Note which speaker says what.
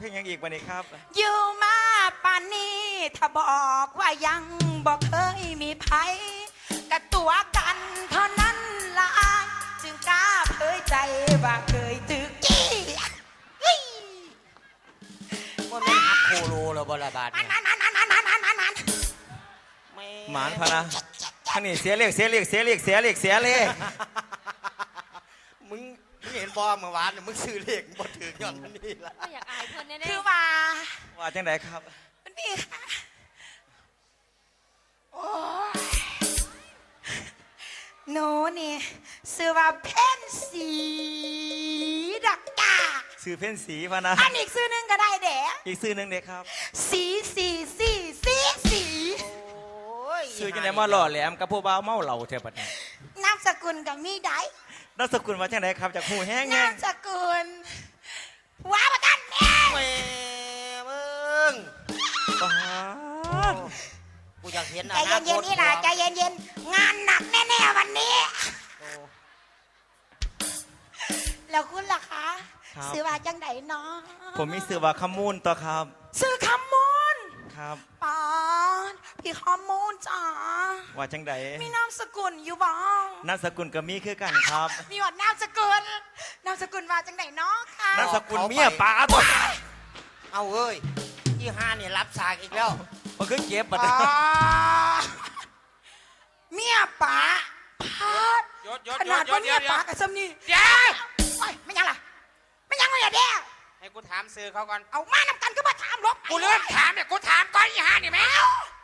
Speaker 1: ลงยังอีกวันนี้ครับ
Speaker 2: อยู่มาป่านนี้ถ้าบอกว่ายังบอกเคยมีภัยกับตัวกันเท่านั้นละอายจึงกล้าเผยใจว่าเคยตึกกี้
Speaker 3: ว่าไม่หักโคโลหรือบลาบาดเนี่ย
Speaker 1: หมานพะนะท่านนี่เสียเลข
Speaker 3: มึงเห็นบอเมื่อวานมึงซื้อเลขมึงบ่ถือย้อนมันนี่ละ
Speaker 4: ก็อยากอายเพื่อนแน่ๆ
Speaker 2: คือว่า
Speaker 1: จังไดครับ
Speaker 2: มันพี่ค่ะโอ้ยหนูนี่ซื้อว่าเพ่นสีดักกา
Speaker 1: ซื้อเพ่นสีพะนะ
Speaker 2: อันอีกซื้อนึงก็ได้เด้
Speaker 1: อีกซื้อนึงเด็กครับ
Speaker 2: สี
Speaker 1: ซื้อจังไดมาหล่อแหลมกับผู้บ่าวเมาเหล่าเทปนี้
Speaker 2: นามสกุลกับมีได้
Speaker 1: นามสกุลว่าจังไดครับจากหูแห้ง
Speaker 2: นามสกุลว้าประกันแม่
Speaker 3: มึงกูอยากเห็น
Speaker 2: ใจเย็นๆนี่ล่ะใจเย็นๆงานหนักแน่ๆวันนี้แล้วคุณล่ะคะซื้อว่าจังไดเนาะ
Speaker 1: ผมมีซื้อว่าขมูลตัวครับ
Speaker 2: ซื้อขมูล
Speaker 1: ครับ
Speaker 2: ปอนพี่ขมูลจ้า
Speaker 1: ว่าจังได
Speaker 2: มีนามสกุลอยู่บ้าง
Speaker 1: นามสกุลก็มีคือกันครับ
Speaker 2: มีหมดนามสกุลว่าจังไดเนาะค่ะ
Speaker 1: นามสกุลเมียป๋าตัว
Speaker 3: เอาเอ้ยที่ห้าเนี่ยรับสากอีกแล้ว
Speaker 1: มันคือเก็บบัด
Speaker 2: เมียป๋าขนาดว่าเมียป๋ากับซัมนี่
Speaker 3: เดี๋ยว
Speaker 2: ไม่ยังล่ะไม่ยังเลยเด้
Speaker 3: ให้กูถามซื้อเขาก่อน
Speaker 2: เอามานำกันก็มาถามลบ
Speaker 3: กูเลื่อนถามเนี่ยกูถามก่อนอีห่านี่แม่